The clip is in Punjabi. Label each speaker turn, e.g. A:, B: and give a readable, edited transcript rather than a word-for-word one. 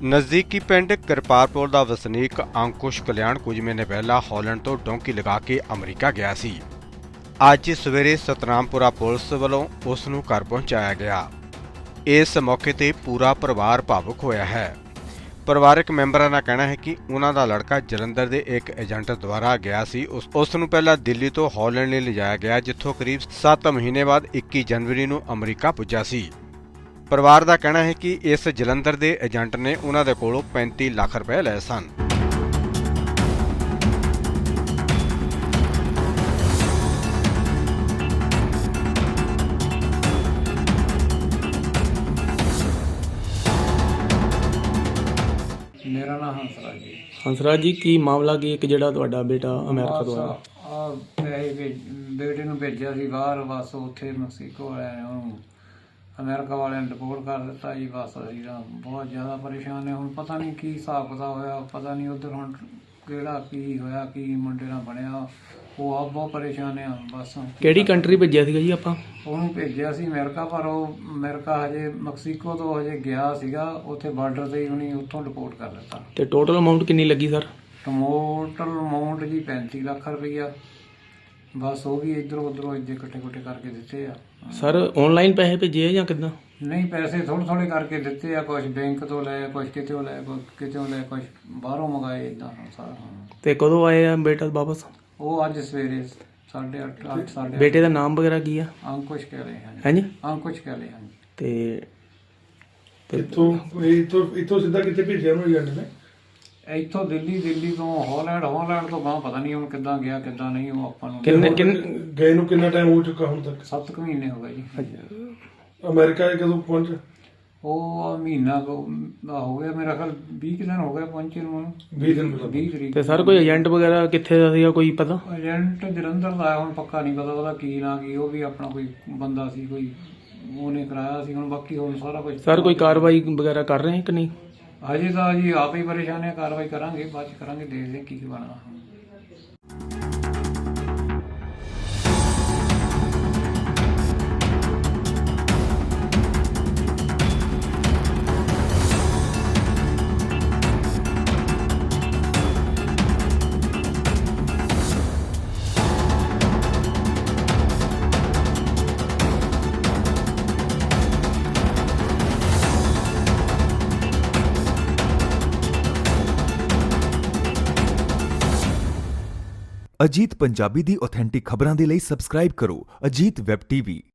A: ਨਜ਼ਦੀਕੀ ਪਿੰਡ ਕਿਰਪਾਰਪੁਰ ਦਾ ਵਸਨੀਕ ਅੰਕੁਸ਼ ਕਲਿਆਣ ਕੁਝ ਮਹੀਨੇ ਪਹਿਲਾਂ ਹਾਲੈਂਡ ਤੋਂ ਡੋਂਕੀ ਲਗਾ ਕੇ ਅਮਰੀਕਾ ਗਿਆ ਸੀ। ਅੱਜ ਸਵੇਰੇ ਸਤਨਾਮਪੁਰਾ ਪੁਲਿਸ ਵੱਲੋਂ ਉਸ ਨੂੰ ਘਰ ਪਹੁੰਚਾਇਆ ਗਿਆ। ਇਸ ਮੌਕੇ ਤੇ ਪੂਰਾ ਪਰਿਵਾਰ ਭਾਵੁਕ ਹੋਇਆ ਹੈ। ਪਰਿਵਾਰਕ ਮੈਂਬਰਾਂ ਦਾ ਕਹਿਣਾ ਹੈ ਕਿ ਉਹਨਾਂ ਦਾ ਲੜਕਾ ਜਲੰਧਰ ਦੇ ਇੱਕ ਏਜੰਟ ਦੁਆਰਾ ਗਿਆ ਸੀ। ਉਸ ਨੂੰ ਪਹਿਲਾਂ ਦਿੱਲੀ ਤੋਂ ਹਾਲੈਂਡ ਲਈ ਲਿਜਾਇਆ ਗਿਆ, ਜਿੱਥੋਂ ਕਰੀਬ 7 ਮਹੀਨੇ ਬਾਅਦ 21 ਜਨਵਰੀ ਨੂੰ ਅਮਰੀਕਾ ਪੁੱਜਾ ਸੀ। ਪਰਿਵਾਰ ਦਾ ਕਹਿਣਾ ਹੈ ਕਿ ਇਸ ਜਲੰਧਰ ਦੇ ਏਜੰਟ ਨੇ ਉਹਨਾਂ ਦੇ ਕੋਲੋਂ 35 ਲੱਖ ਰੁਪਏ ਲਏ ਸਨ।
B: ਮੇਰਾ ਨਾਮ ਹੰਸਰਾਜ ਜੀ।
C: ਹੰਸਰਾਜ ਜੀ, ਕੀ ਮਾਮਲਾ ਕੀ ਇੱਕ ਜਿਹੜਾ ਤੁਹਾਡਾ ਬੇਟਾ ਅਮਰੀਕਾ ਤੋਂ ਆਇਆ?
B: ਬੇਟੇ ਨੂੰ ਭੇਜਿਆ ਸੀ ਬਾਹਰ, ਬਸ ਉੱਥੇ ਮੈਕਸੀਕੋ ਵਾਲਿਆਂ ਨੇ ਉਹਨੂੰ ਅਮਰੀਕਾ ਵਾਲਿਆਂ ਨੇ ਡਿਪੋਰਟ ਕਰ ਦਿੱਤਾ ਜੀ। ਬਸ ਅਸੀਂ ਤਾਂ ਬਹੁਤ ਜ਼ਿਆਦਾ ਪਰੇਸ਼ਾਨ ਨੇ। ਹੁਣ ਪਤਾ ਨਹੀਂ ਕੀ ਹਿਸਾਬ ਕਿਤਾਬ ਹੋਇਆ, ਪਤਾ ਨਹੀਂ ਉੱਧਰ ਹੁਣ ਕਿਹੜਾ ਕੀ ਹੋਇਆ, ਕੀ ਮੁੰਡੇ ਨਾਲ ਬਣਿਆ। ਉਹ ਆਪ ਬਹੁਤ ਪਰੇਸ਼ਾਨ ਆ। ਬਸ
C: ਕਿਹੜੀ ਕੰਟਰੀ ਭੇਜਿਆ ਸੀਗਾ ਜੀ ਆਪਾਂ?
B: ਉਹਨੂੰ ਭੇਜਿਆ ਸੀ ਅਮਰੀਕਾ, ਪਰ ਉਹ ਅਮਰੀਕਾ ਹਜੇ ਮੈਕਸੀਕੋ ਤੋਂ ਹਜੇ ਗਿਆ ਸੀਗਾ, ਉੱਥੇ ਬਾਰਡਰ 'ਤੇ ਹੀ ਉਹਨੇ ਉੱਥੋਂ ਡਿਪੋਰਟ ਕਰ ਦਿੱਤਾ।
C: ਤੇ ਟੋਟਲ ਅਮਾਊਂਟ ਕਿੰਨੀ ਲੱਗੀ ਸਰ?
B: ਟੋਟਲ ਅਮਾਊਂਟ ਜੀ 35 ਲੱਖ ਰੁਪਈਆ। ਬਸ ਉਹ ਵੀ ਇੱਧਰੋਂ ਉੱਧਰੋਂ ਇੱਥੇ ਇਕੱਠੇ ਕਰਕੇ ਦਿੱਤੇ ਆ।
C: ਸਰ ਆਨਲਾਈਨ ਪੈਸੇ ਭੇਜੇ ਆ ਜਾਂ ਕਿੱਦਾਂ?
B: ਨਹੀਂ, ਪੈਸੇ ਥੋੜ੍ਹੇ ਥੋੜ੍ਹੇ ਕਰਕੇ ਦਿੱਤੇ ਆ। ਕੁਛ ਬੈਂਕ ਤੋਂ ਲਏ, ਕੁਛ ਕਿਤੋਂ ਲਏ, ਕਿਤੋਂ ਲਏ, ਕੁਛ ਬਾਹਰੋਂ ਮੰਗਾਏ, ਇੱਦਾਂ ਸਾਰਾ।
C: ਤੇ ਕਦੋਂ ਆਏ ਆ ਬੇਟਾ ਵਾਪਸ?
B: ਉਹ ਅੱਜ ਸਵੇਰੇ 8:30 8:30।
C: ਬੇਟੇ ਦਾ ਨਾਮ ਵਗੈਰਾ ਕੀ ਆ?
B: ਅੰਕੁਸ਼ ਕਹਿ ਰਹੇ ਹਨ।
C: ਹਾਂਜੀ,
B: ਅੰਕੁਸ਼ ਕਹਿ ਰਹੇ ਹਨ।
C: ਤੇ
D: ਇੱਥੋਂ ਸਿੱਧਾ ਕਿੱਥੇ ਭੇਜਿਆ ਉਹਨੂੰ ਏਜੰਟ ਨੇ?
B: ਇੱਥੋਂ ਦਿੱਲੀ ਤੋਂ ਹਾਲੈਂਡ ਤੋਂ ਬਾਹਰ ਪਤਾ ਨਹੀਂ ਹੁਣ ਕਿੱਦਾਂ ਗਿਆ ਕਿੱਦਾਂ ਨਹੀਂ। ਉਹ ਆਪਾਂ ਨੂੰ
D: ਗਏ ਨੂੰ ਕਿੰਨਾ ਟਾਈਮ ਹੋ ਚੁੱਕਾ ਹੁਣ ਤੱਕ?
B: 7 ਮਹੀਨੇ ਹੋ ਗਏ ਜੀ।
D: ਅਮਰੀਕਾ ਕਦੋਂ ਪਹੁੰਚਿਆ?
B: ਉਹ ਮਹੀਨਾ ਕੁ ਹੋ ਗਿਆ, ਮੇਰਾ ਖਿਆਲ 20 ਦਿਨ ਹੋ ਗਏ ਪਹੁੰਚੇ ਨੂੰ।
D: 20 ਦਿਨ ਪਹਿਲਾਂ।
B: 20 ਤਰੀਕ।
C: ਤੇ ਸਰ ਕੋਈ ਏਜੰਟ ਵਗੈਰਾ ਕਿੱਥੇ ਦਾ ਸੀਗਾ, ਕੋਈ ਪਤਾ?
B: ਏਜੰਟ ਜਲੰਧਰ ਦਾ ਹੁਣ ਪੱਕਾ ਨਹੀਂ ਪਤਾ ਉਹਦਾ ਕੀ ਨਾਂ ਕੀ। ਉਹ ਵੀ ਆਪਣਾ ਕੋਈ ਬੰਦਾ ਸੀ, ਕੋਈ ਉਹਨੇ ਕਰਾਇਆ ਸੀ। ਹੁਣ ਬਾਕੀ ਹੁਣ ਸਾਰਾ ਕੁਝ
C: ਸਰ ਕੋਈ ਕਾਰਵਾਈ ਵਗੈਰਾ ਕਰ ਰਹੇ ਕਿ ਨਹੀਂ?
B: ਹਜੇ ਤਾਂ ਜੀ ਆਪ ਹੀ ਪਰੇਸ਼ਾਨ ਹੈ। ਕਾਰਵਾਈ ਕਰਾਂਗੇ, ਬਾਅਦ 'ਚ ਕਰਾਂਗੇ, ਦੇਖਦੇ ਕੀ ਬਣਨਾ।
E: ਅਜੀਤ ਪੰਜਾਬੀ ਦੀ ਆਥੈਂਟਿਕ ਖਬਰਾਂ ਦੇ ਲਈ ਸਬਸਕ੍ਰਾਈਬ ਕਰੋ ਅਜੀਤ ਵੈਬ ਟੀਵੀ।